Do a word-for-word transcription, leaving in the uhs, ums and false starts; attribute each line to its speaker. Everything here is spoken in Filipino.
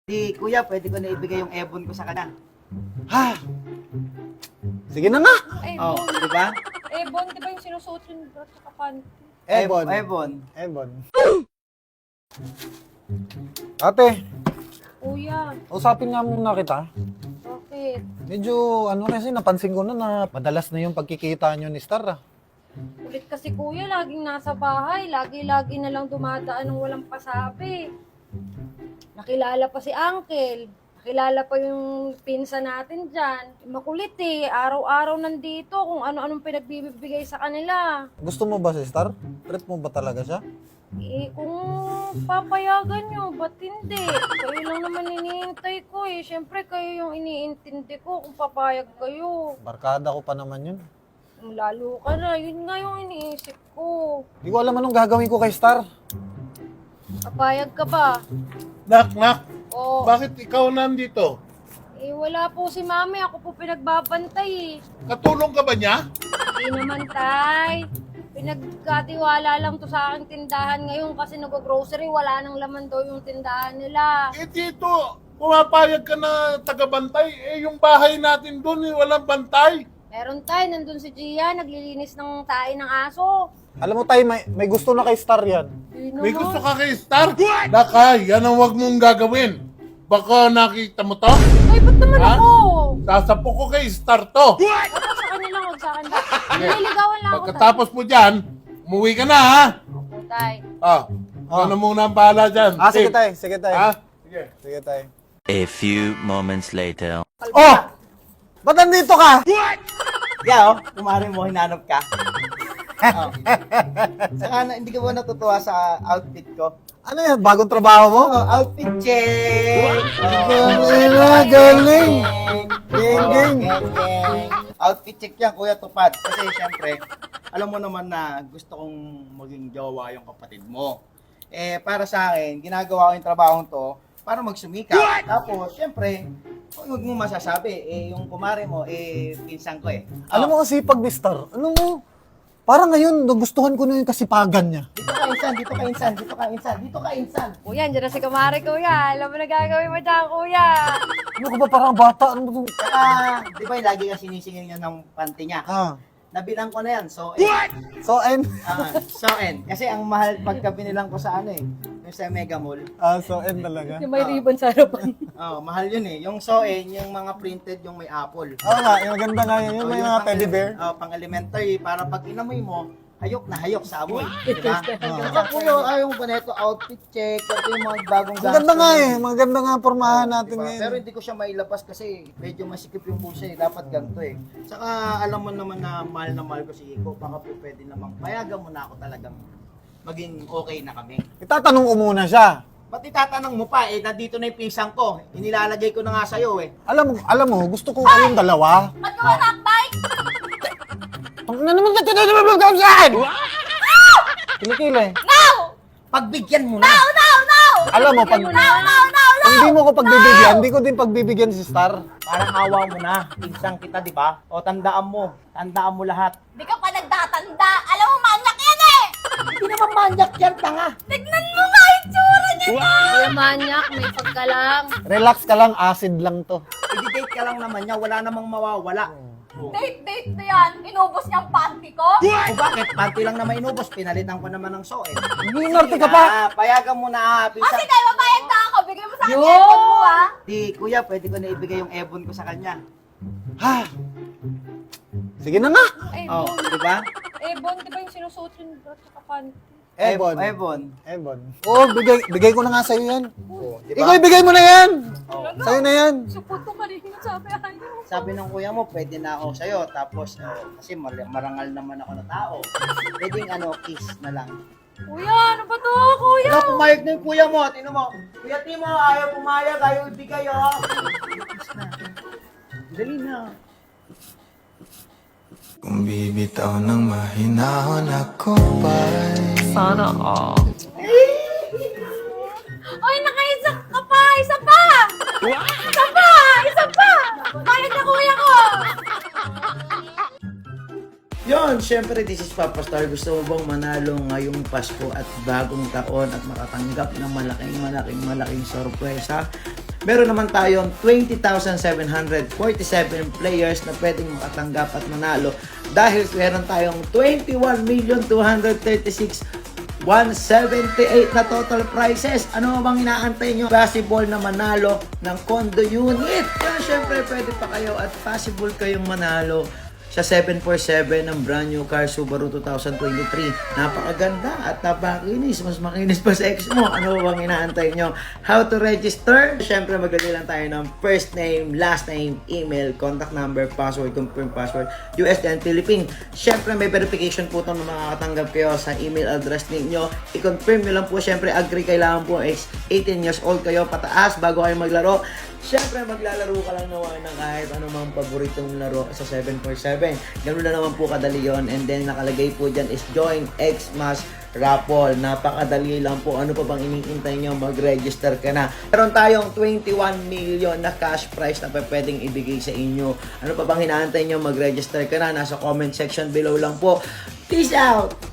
Speaker 1: Di, kuya, pwede ko na ibigay yung ebon ko sa kanya.
Speaker 2: Ha? Sige na nga.
Speaker 1: Oh,
Speaker 3: Ebon.
Speaker 1: di ba?
Speaker 3: Ebon, di ba yung sinusuot yung bra sa panty?
Speaker 2: Ebon.
Speaker 1: Ebon.
Speaker 2: Ebon. Ate,
Speaker 3: Kuya,
Speaker 2: usapin nga muna kita.
Speaker 3: bakit?
Speaker 2: Medyo ano kasi napansin ko na na madalas na yung pagkikita nyo ni Star ah.
Speaker 3: Ulit kasi kuya, laging nasa bahay. Lagi-lagi na lang dumadaan ng walang pasabi. Nakilala pa si Uncle. Nakilala pa yung pinsa natin dyan. Makulit eh. Araw-araw nandito kung ano-anong pinagbibigay sa kanila.
Speaker 2: Gusto mo ba si Star? Trip mo ba talaga siya?
Speaker 3: Eh, kung papayagan nyo, ba't hindi? Kayo lang naman iniintay ko eh. Siyempre, kayo yung iniintindi ko kung papayag kayo.
Speaker 2: Barkada ko pa naman yun.
Speaker 3: Lalo ka na. Yun nga yung iniisip ko.
Speaker 2: Hindi ko alam anong gagawin ko kay Star.
Speaker 3: Papayag ka ba?
Speaker 4: Nak, nak,
Speaker 3: O,
Speaker 4: bakit ikaw nandito?
Speaker 3: eh, wala po si mami. Ako po pinagbabantay eh.
Speaker 4: Katulong ka ba niya?
Speaker 3: Hindi naman, tay. Pinagkatiwala lang to sa aking tindahan ngayon kasi nag-grocery, wala nang laman daw yung tindahan nila.
Speaker 4: Eh dito, pumapayag ka na tagabantay. Eh yung bahay natin doon, eh, walang bantay.
Speaker 3: Meron tay, nandun si Gia, naglilinis ng tae ng aso.
Speaker 2: Alam mo tayo, may, may gusto na kay Star yan.
Speaker 3: Hindi
Speaker 4: May
Speaker 3: naman.
Speaker 4: gusto ka kay Star? Naka, yan ang wag mong gagawin. Baka nakita mo to?
Speaker 3: Ay, ba't naman
Speaker 4: Ha?
Speaker 3: ako?
Speaker 4: Sasapo ko kay Star to.
Speaker 3: Dapat sa kanila, huwag sa akin. Nililigawan lang ako.
Speaker 4: Pagkatapos mo dyan, umuwi ka na ha.
Speaker 3: Opo, tay.
Speaker 4: Ah, ano muna ang bahala dyan?
Speaker 2: Ah, sige
Speaker 4: Eh,
Speaker 2: tayo, sige tayo.
Speaker 4: Ha? Sige.
Speaker 2: Sige tayo.
Speaker 5: A few moments later.
Speaker 2: Oh! Ba't nandito ka?
Speaker 1: Yeah, oh, kumari mo, hinanap ka. Oh. Saka na, hindi ka ba natutuwa sa outfit ko?
Speaker 2: Ano yan? Bagong trabaho mo?
Speaker 1: Oh, outfit check!
Speaker 2: Galing na, galing! Gang, gang!
Speaker 1: Outfit check yan, Kuya Tupad. Kasi syempre, alam mo naman na gusto kong maging jowa yung kapatid mo. Eh, para sa akin, ginagawa ko yung trabaho to para magsumikap. Tapos, syempre, huwag mo masasabi, eh, yung kumare mo, eh, pinsan ko eh.
Speaker 2: Alam mo kasi pag ni Star, ano mo? Parang ngayon, nagustuhan ko na yung kasipagan niya.
Speaker 1: Dito ka insan, dito ka insan, dito ka insan, dito ka insan.
Speaker 3: Kuya, andyan na si Kumari, kuya. Alam mo na gagawin mo dyan, kuya.
Speaker 2: Ano ka ba parang bata? Ano ba ito?
Speaker 1: Saka, di ba yung lagi ka sinisingil niya ng panty niya?
Speaker 2: Ah.
Speaker 1: Nabilang ko na yan, so eh.
Speaker 2: So, and?
Speaker 1: Ah, so end. Kasi ang mahal pagka binilang ko sa ano eh, yung sa Mega Mall.
Speaker 2: Ah, so, and talaga.
Speaker 3: Yung may ribbon sa harapan.
Speaker 1: Oh, mahal yun eh. Yung Soen, yung mga printed, yung may apple.
Speaker 2: Oo nga, yung maganda nga yun, yung
Speaker 1: Oh,
Speaker 2: may
Speaker 1: yung
Speaker 2: mga
Speaker 1: pang-
Speaker 2: teddy bear.
Speaker 1: Oh, pang elementary, para pag inamoy mo, hayok na hayok sa amoy. Diba? Saka kuya, ayaw mo ba na ito, outfit check, ito yung mga bagong
Speaker 2: Ang ganda nga eh, maganda nga pormahan natin
Speaker 1: Diba?
Speaker 2: ngayon.
Speaker 1: Pero hindi ko siya mailabas kasi medyo masikip yung puso eh. Dapat ganito eh. Saka alam mo naman na mahal na mahal ko si Iko. Baka po pwede namang payagan mo na ako talagang maging okay na kami.
Speaker 2: Itatanong ko muna siya.
Speaker 1: Ba't itatanong mo pa eh, nandito na yung pisang ko. Inilalagay ko na nga sa'yo eh.
Speaker 2: Alam mo, alam mo, gusto ko kayong dalawa.
Speaker 3: Ba't ka manakbay?
Speaker 2: Ang na naman natin na naman ang saan? Kilikili.
Speaker 1: Pagbigyan mo na!
Speaker 2: Alam mo, pag, kung hindi mo ko pagbibigyan, hindi ko din pagbibigyan si Star.
Speaker 1: Parang awa mo na. Pinsang kita, di ba? O tandaan mo. Tandaan mo lahat.
Speaker 6: Di ka pa nagtatanda. Alam mo, manyak yan eh!
Speaker 1: Hindi naman manyak yan, tanga.
Speaker 6: Tignan mo nga yung tsura niya!
Speaker 3: Kuya manyak, may pagka lang.
Speaker 2: Relax ka lang, acid lang to.
Speaker 1: I-date ka lang naman niya. Wala namang mawawala. O,
Speaker 6: Date, date na yan. Inubos niya ang panty ko.
Speaker 1: o bakit? Panty lang naman inubos. Pinalitan ko naman ng Soen.
Speaker 2: Hindi, Norte ka pa.
Speaker 1: Payagan mo na.
Speaker 6: O
Speaker 1: Pinsang...
Speaker 6: sige, mabayad na ako. Bigay mo sa akin
Speaker 3: Yo!
Speaker 6: yung ebon mo ah.
Speaker 1: Di, kuya, pwede ko na ibigay yung ebon ko sa kanya.
Speaker 2: Ha? Sige na nga.
Speaker 1: Oh,
Speaker 3: Ebon.
Speaker 1: di ba?
Speaker 3: Ebon, di ba yung sinusuot yung bra sa panty?
Speaker 2: Ebon.
Speaker 1: Ebon.
Speaker 2: Ebon. Oo, bigay, bigay ko na nga sa'yo yan.
Speaker 1: Oh, di
Speaker 2: Ikaw,
Speaker 1: ba?
Speaker 2: ibigay mo na yan.
Speaker 1: Oh.
Speaker 2: Sa'yo na yan.
Speaker 3: Support ko kanina, sabi ayaw.
Speaker 1: Sabi ng kuya mo, pwede na ako sa'yo. Tapos, oh, kasi mar- marangal naman ako na tao. Pwedeng ano, kiss na lang.
Speaker 3: Kuya, ano ba to, kuya?
Speaker 1: Ano, pumayag na yung kuya mo. Tino mo. Kuya Timo, ayaw pumayag, ayaw ibigay, oh. Kiss na. Dali na.
Speaker 7: Kung bibitaw ng mahinahon ako pa'y
Speaker 6: Oy, nakaisa ka pa. Isa pa. Isa pa. Isa pa. Bayad na kuya ko.
Speaker 1: Yon, syempre, this is Papa Star. Gusto mo bang manalo ngayong Pasko at bagong taon at makatanggap ng malaking, malaking, malaking sorpresa? meron naman tayong twenty thousand seven hundred forty-seven players na pwedeng makatanggap at manalo dahil meron tayong twenty-one million two hundred thirty-six thousand one hundred seventy-eight na total prizes. Ano bang inaantay nyo? Possible na manalo ng condo unit. Kaya syempre pwede pa kayo at possible kayong manalo sa seven forty-seven ng brand new car Subaru two thousand twenty-three. Napakaganda at napakakinis. Mas makinis pa sa ex mo. Ano bang inaantay nyo? How to register? Syempre maglagay lang tayo ng first name, last name, email, contact number, password, confirm password, U S D and Philippine. Syempre may verification po itong makakatanggap kayo sa email address ninyo. I-confirm nyo lang po. Syempre agree kailangan po ex eighteen years old kayo pataas bago kayo maglaro. Siyempre, maglalaro ka lang naman ng kahit anumang paboritong laro sa seven forty-seven. Ganun na naman po kadali yun. And then, nakalagay po dyan is Join Xmas Raffle. Napakadali lang po. Ano pa bang iniintay nyo? Mag-register ka na. Meron tayong twenty-one million na cash prize na pwedeng ibigay sa inyo. Ano pa bang hinaantay nyo? Mag-register ka na. Nasa comment section below lang po. Peace out!